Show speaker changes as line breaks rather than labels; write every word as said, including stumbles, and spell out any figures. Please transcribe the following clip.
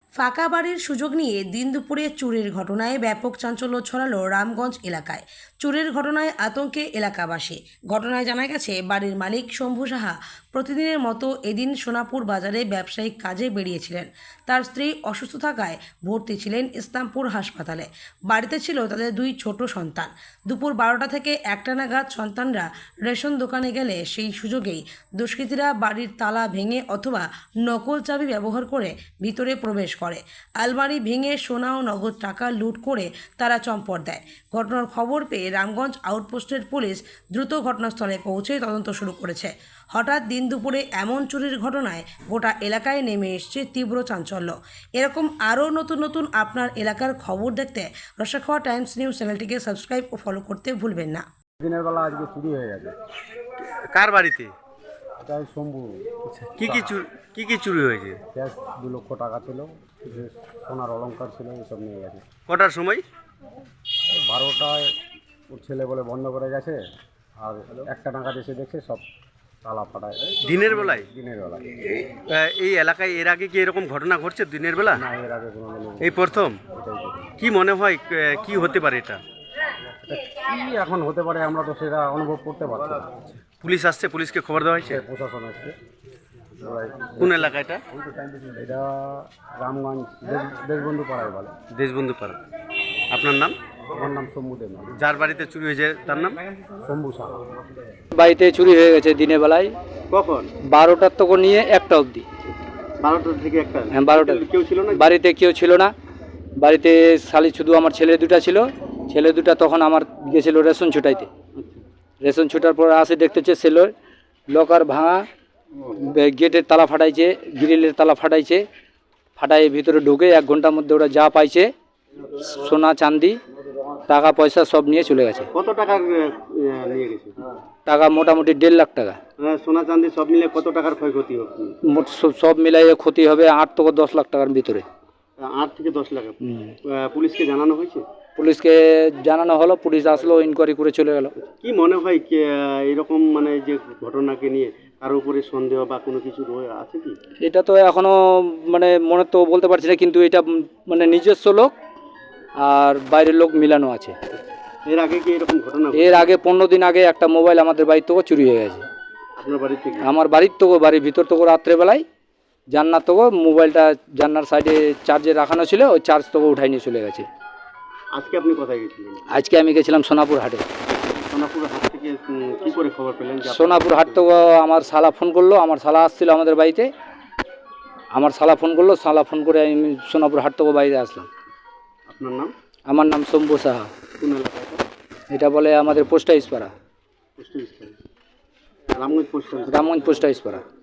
ফাঁকা বাড়ির সুযোগ নিয়ে দিন দুপুরে চুরির ঘটনায় ব্যাপক চাঞ্চল্য ছড়ালো রামগঞ্জ এলাকায়। চুরির ঘটনায় আতঙ্কে এলাকাবাসী। ঘটনায় জানা গেছে, বাড়ির মালিক শম্ভু সাহা প্রতিদিনের মতো এদিন সোনাপুর বাজারে ব্যবসায়িক কাজে বেরিয়েছিলেন। তার স্ত্রী অসুস্থ থাকায় ভর্তি ছিলেন ইসলামপুর হাসপাতালে। বাড়িতে ছিল তাদের দুই ছোট সন্তান। দুপুর বারোটা থেকে একটা নাগাদ সন্তানরা রেশন দোকানে গেলে সেই সুযোগেই দুষ্কৃতীরা বাড়ির তালা ভেঙে অথবা নকল চাবি ব্যবহার করে ভিতরে প্রবেশ করে। আলমারি ভেঙে সোনা ও নগদ টাকা লুট করে তারা চম্পট দেয়। ঘটনার খবর পেয়ে রামগঞ্জ আউটপোস্টের পুলিশ দ্রুত ঘটনাস্থলে পৌঁছে তদন্ত শুরু করেছে। হঠাৎ দিন দুপুরে এমন চুরির ঘটনায় গোটা এলাকায় নেমে এসছে তীব্র চাঞ্চল্য। এরকম আরও নতুন নতুন আপনার এলাকার খবর দেখতে রসাখাওয়া টাইমস নিউজ চ্যানেলটিকে সাবস্ক্রাইব ও ফলো করতে ভুলবেন না।
দিনের বেলা আজকে চুরি হয়ে গেছে।
কার বাড়িতে?
এটাই শম্ভু।
কি কি চুরি কি কি চুরি হয়েছে?
ক্যাশ দু লক্ষ টাকা ছিল, কিছু সোনার অলংকার ছিল, এসব নিয়ে গেছে।
কটার সময়?
এই বারোটায় ওর ছেলে বলে বন্ধ করে গেছে, আর একটা টাকা এসে দেখছে সব তালা ফাটায়।
দিনের বেলায়?
দিনের বেলায়।
আহ, এই এলাকায় এর আগে কি এরকম ঘটনা ঘটছে দিনের বেলা?
না, এর আগে কোনো দিন
এই প্রথম?
এটাই প্রথম।
কি মনে হয় আহ, কি হতে পারে এটা?
এটা কি এখন হতে পারে আমরা তো সেটা অনুভব করতে পারছি না।
পুলিশ আসছে? পুলিশকে খবর দেওয়া হয়েছে?
সে প্রশাসন আসছে। ওরাই
কোন এলাকা এটা?
এটা রামগঞ্জ দেশ- দেশবন্ধু পাড়ায় বলে।
দেশবন্ধু পাড়া। আপনার নাম?
আমার নাম শম্ভু দেব।
যার বাড়িতে চুরি হয়েছে তার নাম?
শম্ভু সাহা।
বাড়িতে চুরি হয়ে গেছে দিনের বেলায়
কখন?
বারোটার থেকে নিয়ে একটা অবধি।
বারোটা থেকে একটা?
হ্যাঁ, বারোটা।
কেউ ছিল না
বাড়িতে কেউ ছিল না। বাড়িতে খালি শুধু আমার ছেলে দুটা ছিল। ছেলে দুটা তখন আমার গেছিল রেশন ছুটাইতে। রেশন ছুটার পর আসে দেখতেছে সেলোর লকার ভাঙা, বে- গেটের তালা ফাটাইছে, গ্রিলের তালা ফাটাইছে। ফাটাই ভিতরে ঢুকে এক ঘন্টার মধ্যে ওরা যা পাইছে সোনা চাঁদি টাকা পয়সা সব নিয়ে চলে গেছে।
কত টাকা নিয়ে গেছে?
টাকা মোটামুটি দেড় লাখ টাকা।
সোনা চাঁদি সব মিলে কত টাকার ক্ষয়ক্ষতি হবে?
মোট সব- সব মিলাইয়ে ক্ষতি হবে আট থেকে দশ লাখ টাকার ভিতরে।
আট থেকে দশ লাখ।
হুম।
পুলিশকে জানানো হয়েছে?
পুলিশকে জানানো হলো, পুলিশ আসলো, ইনকোয়ারি করে চলে গেল।
কি মনে হয় এরকম মানে যে ঘটনাকে নিয়ে কারো উপরে সন্দেহ বা কোনো কিছু রয়ে আছে কি?
এটা তো এখনো মানে মনে তো বলতে পারছি না, কিন্তু এটা উম মানে নিজস্ব লোক আর বাইরের লোক মিলানো আছে।
এর আগে কি এরকম ঘটনা?
এর আগে পনেরো দিন আগে একটা মোবাইল আমাদের বাড়ির থেকে চুরি হয়ে গেছে।
আপনার বাড়ি থেকে?
আমার বাড়ির থেকে, বাড়ির ভিতর থেকে রাত্রেবেলায় জান্নার থেকে মোবাইলটা জান্নার সাইডে চার্জে রাখানো ছিল, ওই চার্জ থেকে উঠাই নিয়ে চলে গেছে।
আজকে আপনি কোথায় গেছিলেন?
আজকে আমি গেছিলাম সোনাপুর হাটে।
সোনাপুর হাট থেকে উম, কি করে খবর পেলেন যে আপনার-
সোনাপুর হাট থেকে আমার শালা ফোন করলো, আমার শালা আসছিল আমাদের বাড়িতে। আমার শালা ফোন করলো, শালা ফোন করে আমি সোনাপুর হাট থেকে বাড়িতে আসলাম।
আপনার নাম?
আমার নাম শম্ভু সাহা।
কোন এলাকা এটা?
এটা বলে আমাদের পোস্ট অফিস পাড়া,
post office? Ramganj post office.
Ramganj post office পাড়া।